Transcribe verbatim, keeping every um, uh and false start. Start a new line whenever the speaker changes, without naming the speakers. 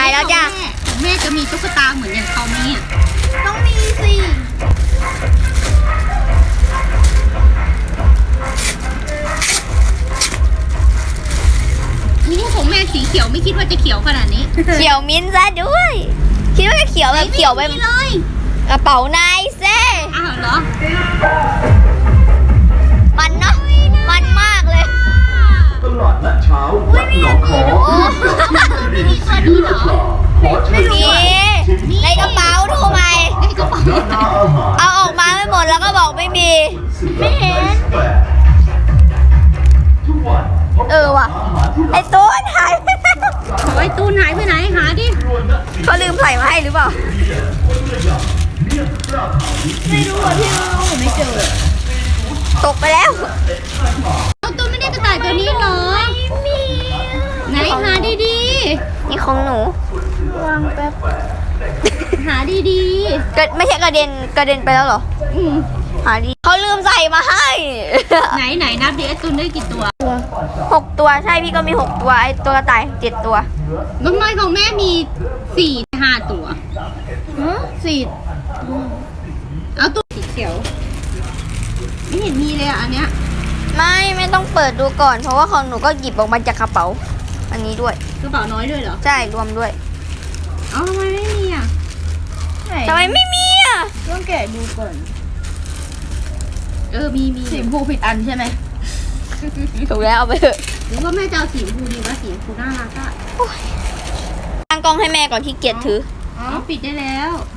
แล้วจ้ะ
แม่จะมีตุ๊กตาเหมือนอย่างเขาไหมอ่ะ
ต้องมีสิ
นี่ของแม่สีเขียวไม่คิดว่าจะเขียวขนาดนี้
เขียวมิ้นท์ซะด้วย คิดว่าจะเขียวแบบเขียวไป
ไม่มีเลย
กระเป๋านายเซ่
อ้าวเหรอ
มันเนาะมันมากเลย
ตลาดนัดเช้าวัดหนองขอไม่มีคนดีเหรอขอเชิญ
มีในกระเป๋าดูไหม
ในกระเป๋า
ร้านอาหาร
เอาออกมาไม่หมดแล้วก็บอกไม่มี ไม่เห็น
ทุกวัน
เออว่ะ ไอ้ต้นหายไปแล้ว
ขอไอ้ตูนหายไปไหนหาดิ
เขาลืมใส่มาให้หรือเปล่า
ไม่รู้อ่ะพี่เราไม่เจอ
ตกไปแล้ว
เอาตูนไม่ได้กระต่ายตัวนี้เหรอไม่มีไหนหาดี
นี่ของหนู
ๆหาดี
กระไม่ใช่กระเด็นกระเด็นไปแล้วเหรอ
ๆอืม
หาดีเขาลืมใส่มาให้
ไหนไหนนับดิไอ้ตูนได้กี่ตัว
หกตัวใช่พี่ก็มีหกตัวไอ้ตัวกระต่ายเจ็ดตัว
น้องน้อยของแม่มีสี่ห้าตัวสี่เอาตัวสีเขียว ไม่เห็นมีเลยอ่ะอันเนี้ย
ไม่ไม่ต้องเปิดดูก่อน เพราะว่าของหนูก็หยิบออกมาจากกระเป๋า อันนี้ด้วย
กระเป๋าน้อยด้วยเหรอ
ใช่รวมด้วย
เอ้าทำไมไม่มีอ่ะ
ทำไมไม่มีอ่ะ
ต้องแกะดูก่อน
เออมีมี
สีชมพูผิดอันใช่ไหม
ถูกแล้วเอาไปเถอะ
หรือว่าแม่จะเอาสีชมพูดีวะสีชมพูน่ารักอ่ะ
ตั้งกล้องให้แม่ก่อนที่เกียจถือ
อ๋อปิดได้แล้ว